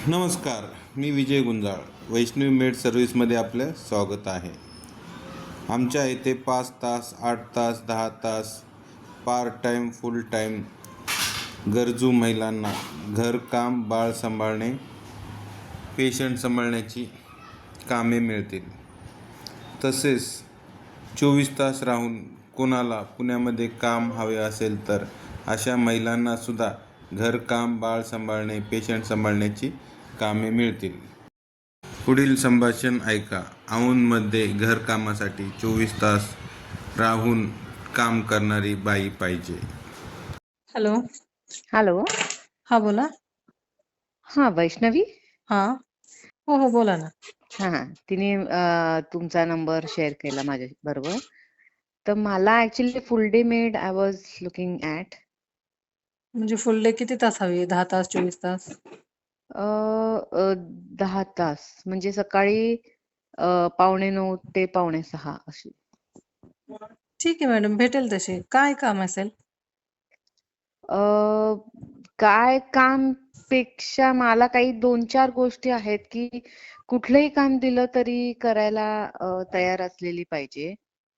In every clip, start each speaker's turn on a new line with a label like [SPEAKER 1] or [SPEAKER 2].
[SPEAKER 1] नमस्कार, मी विजय गुंजाळ. वैष्णवी मेड सर्व्हिसमध्ये आपलं स्वागत आहे. आमच्या इथे 5 तास, 8 तास, 10 तास पार्ट टाईम, फुल टाईम गरजू महिलांना घरकाम, बाळ सांभाळणे, पेशंट सांभाळण्याची कामे मिळतील. तसेच 24 तास राहून कोणाला पुण्यामध्ये काम हवे असेल तर अशा महिलांनासुद्धा घरकाम, बाळ सांभाळणे, पेशंट सांभाळण्याची कामे मिळतील. पुढील संभाषण ऐका. औंधमध्ये घरकामासाठी 24 तास राहून काम करणारी बाई पाहिजे.
[SPEAKER 2] हॅलो.
[SPEAKER 3] हॅलो.
[SPEAKER 2] हा बोला.
[SPEAKER 3] हा, वैष्णवी.
[SPEAKER 2] हा. हो बोला ना.
[SPEAKER 3] हा, तिने तुमचा नंबर शेअर केला माझ्या बरोबर. तर मला actually full day maid I was looking at.
[SPEAKER 2] म्हणजे फुल डे किती तास हवी? 10 तास, 24 तास?
[SPEAKER 3] 10 तास म्हणजे सकाळी 5:45 ते 5:45 अशी.
[SPEAKER 2] ठीक आहे मॅडम, भेटेल तशी. काय काम असेल?
[SPEAKER 3] काय काम पेक्षा मला काही 2-4 गोष्टी आहेत की कुठलंही काम दिलं तरी करायला तयार असलेली पाहिजे.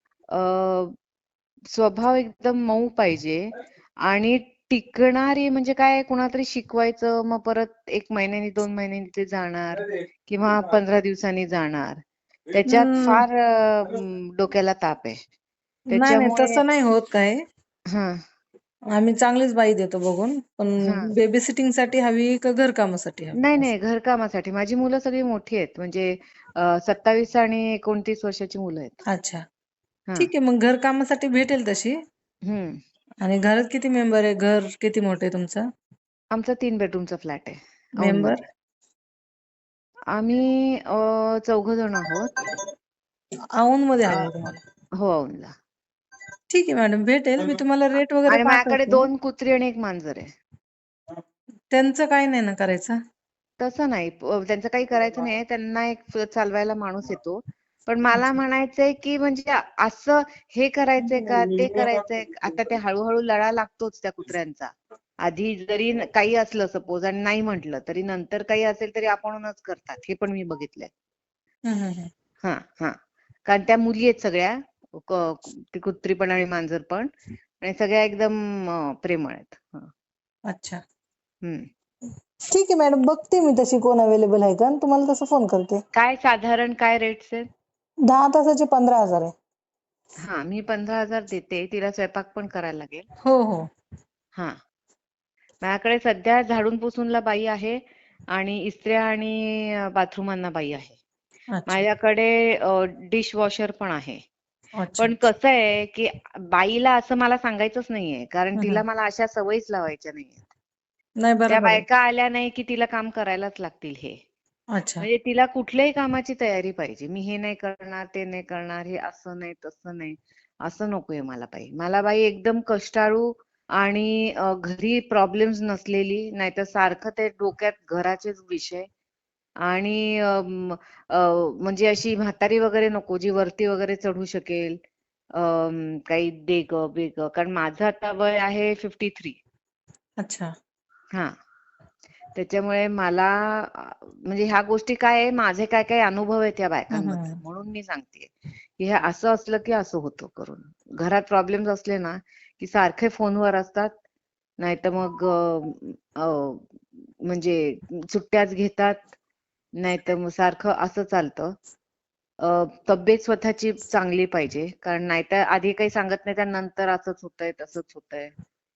[SPEAKER 3] स्वभाव एकदम मऊ पाहिजे आणि टिकणारी, म्हणजे काय, कुणातरी शिकवायचं मग परत 1 महिन्यानी 2 महिन्यांनी ते जाणार किंवा 15 दिवसांनी जाणार. त्याच्यात
[SPEAKER 2] हम्म,
[SPEAKER 3] फार डोक्याला ताप आहे.
[SPEAKER 2] नाही
[SPEAKER 3] त्याच्यामुळे
[SPEAKER 2] तसं नाही होत काय.
[SPEAKER 3] हां,
[SPEAKER 2] आम्ही चांगलीच बाई देतो बघून, पण
[SPEAKER 3] हां.
[SPEAKER 2] बेबी सिटिंग साठी हवी का घरकामासाठी हवी?
[SPEAKER 3] नाही, घरकामासाठी. माझी मुलं सगळी मोठी आहेत. म्हणजे 27 आणि 29 वर्षाची मुलं आहेत.
[SPEAKER 2] अच्छा,
[SPEAKER 3] हां.
[SPEAKER 2] ठीक आहे. मग घरकामासाठी भेटेल तशी.
[SPEAKER 3] हं.
[SPEAKER 2] आणि घरात किती मेंबर आहे? घर किती मोठं आहे तुमचं?
[SPEAKER 3] आमचा 3 बेडरूमचा फ्लॅट आहे
[SPEAKER 2] मेंबर
[SPEAKER 3] औंधमध्ये. आम्ही 4 जण आहोत.
[SPEAKER 2] औंध मध्ये
[SPEAKER 3] अ,
[SPEAKER 2] हवे तुम्हाला?
[SPEAKER 3] हो, औंधला.
[SPEAKER 2] ठीक आहे मॅडम, भेटेल. मी तुम्हाला
[SPEAKER 3] आ
[SPEAKER 2] रेट वगैरे
[SPEAKER 3] आणि माझ्याकडे
[SPEAKER 2] पाठवते.
[SPEAKER 3] 2 कुत्री आणि 1 मांजर आहे.
[SPEAKER 2] त्यांचं काही नाही ना करायचं?
[SPEAKER 3] तसं नाही. त्यांचं काही करायचं नाही. त्यांना एक चालवायला माणूस येतो. पण मला
[SPEAKER 2] अच्छा.
[SPEAKER 3] म्हणायचंय, की म्हणजे असं हे करायचंय का, ते करायचंय. आता ते हळू-हळू लळा लागतोच त्या कुत्र्यांचा. आधी जरी काही असलं सपोज आणि नाही म्हटलं, तरी नंतर काही असेल तरी आपणच करतात. हे पण मी बघितलंय.
[SPEAKER 2] हं.
[SPEAKER 3] हां, हां. कारण त्या मुली आहेत सगळ्या. क ती कुत्री पण आणि मांजर पण. आणि सगळ्या एकदम प्रेमळ आहेत. हं.
[SPEAKER 2] अच्छा.
[SPEAKER 3] हं.
[SPEAKER 2] ठीक आहे मॅडम, बघते मी तशी कोण अवेलेबल आहे का आणि तुम्हाला तसं फोन करते.
[SPEAKER 3] काय साधारण काय रेट्स आहेत?
[SPEAKER 2] 10 तासाचे 15,000 आहे.
[SPEAKER 3] हां, मी 15,000 देते. तिला स्वयंपाक पण करायला लागेल.
[SPEAKER 2] हो.
[SPEAKER 3] हां. माझ्याकडे सध्या झाडून पुसूनला बाई आहे आणि इस्त्र्या आणि बाथरूमांना बाई आहे.
[SPEAKER 2] अच्छा.
[SPEAKER 3] माझ्याकडे डिश वॉशर पण आहे.
[SPEAKER 2] अच्छा.
[SPEAKER 3] पण कसं आहे, की बाईला असं मला सांगायचंच नाहीये. कारण
[SPEAKER 2] हं.
[SPEAKER 3] तिला मला अशा सवयीच लावायच्या नाहीयेत.
[SPEAKER 2] नाही,
[SPEAKER 3] त्या
[SPEAKER 2] बरोबर आहे.
[SPEAKER 3] बायका आल्या नाही, की तिला काम करायलाच लागतील हे.
[SPEAKER 2] अच्छा.
[SPEAKER 3] म्हणजे तिला कुठल्याही कामाची तयारी पाहिजे. मी हे नाही करणार, ते नाही करणार, हे असं नाही, तसं नाही. असं नकोय मला बाई. मला बाई एकदम कष्टाळू आणि घरी प्रॉब्लेम्स नसलेली, नाहीतर सारखं ते डोक्यात घराचेच विषय आणि म्हणजे अशी म्हातारी वगैरे नको, जी वरती वगैरे चढू शकेल. काही दे गं, बे गं. कारण माझं आता वय आहे 53.
[SPEAKER 2] अच्छा.
[SPEAKER 3] हां. त्याच्यामुळे मला म्हणजे ह्या गोष्टी काय आहे, माझे काय काय अनुभव आहेत या बायकांबद्दल.
[SPEAKER 2] हं.
[SPEAKER 3] म्हणून मी सांगतेय, की हे असं असलं की असं होतं करून. घरात प्रॉब्लेम्स असले ना, की सारखे फोनवर असतात. नाहीतर मग अ, म्हणजे सुट्ट्याच घेतात. नाहीतर मग सारखं असं चालतं. तब्येत स्वतःची चांगली पाहिजे. कारण नाहीतर आधी काही सांगत नाही, त्यानंतर असंच होतंय, तसंच होतंय.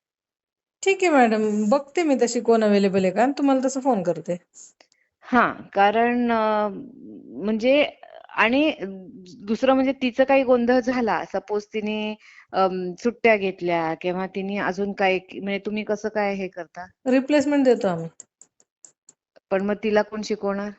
[SPEAKER 2] ठीक आहे मॅडम, बघते मी तशी कोण अवेलेबल आहे का आणि तुम्हाला तसं फोन करते.
[SPEAKER 3] हां, कारण म्हणजे आणि दुसरं म्हणजे तिचं काही गोंधळ झाला, सपोज तिने सुट्ट्या घेतल्या किंवा तिने अजून काही, म्हणजे तुम्ही कसं काय हे करता?
[SPEAKER 2] रिप्लेसमेंट देतो आम्ही.
[SPEAKER 3] पण मग तिला कोण शिकवणार?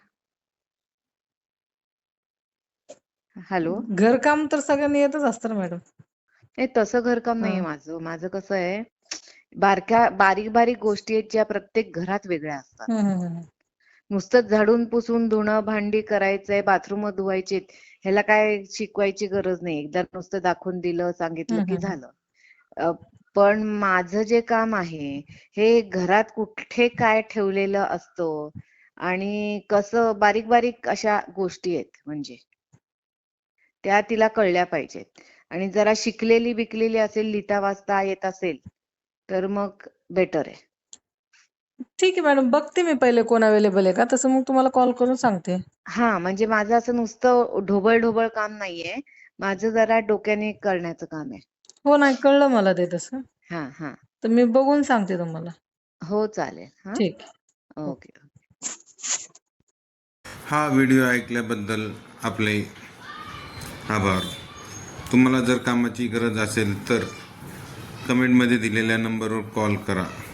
[SPEAKER 3] हॅलो?
[SPEAKER 2] घरकाम तर सगळ्यांनी येतच असतं ना मॅडम.
[SPEAKER 3] नाही, तसं घरकाम नाहीये
[SPEAKER 2] हं.
[SPEAKER 3] माझं. माझं कसं आहे, बारीक-बारीक गोष्टी आहेत, ज्या प्रत्येक घरात वेगळ्या असतात.
[SPEAKER 2] हं.
[SPEAKER 3] नुसतंच झाडून पुसून धुणं भांडी करायचंय, बाथरूम धुवायचीत, ह्याला काय शिकवायची गरज नाही. एकदा नुसतं दाखवून दिलं, सांगितलं की
[SPEAKER 2] हं.
[SPEAKER 3] झालं. अ, पण माझं जे काम आहे, हे घरात कुठे काय ठेवलेलं असतं आणि कसं बारीक बारीक अशा गोष्टी आहेत म्हणजे त्या तिला कळल्या पाहिजेत आणि जरा शिकलेली बिकलेली असेल, लिहिता वाचता येत असेल तर मग बेटर आहे.
[SPEAKER 2] ठीक आहे मॅडम, बघते मी पहिले कोण अवेलेबल आहे का, तसं मग तुम्हाला कॉल करून सांगते.
[SPEAKER 3] हा म्हणजे माझं असं नुसतं ढोबळ ढोबळ काम नाहीये, माझं जरा डोक्याने करण्याचं काम आहे.
[SPEAKER 2] हो, नाही कळलं मला ते तसं.
[SPEAKER 3] हा हा
[SPEAKER 2] तर मी बघून सांगते तुम्हाला.
[SPEAKER 3] हो चालेल. हा
[SPEAKER 2] ठीक आहे.
[SPEAKER 3] ओके.
[SPEAKER 1] हा व्हिडिओ ऐकल्याबद्दल आपले आभार. तुम्हाला जर कामाची गरज असेल तर कमेंटमध्ये दिलेल्या नंबरवर कॉल करा.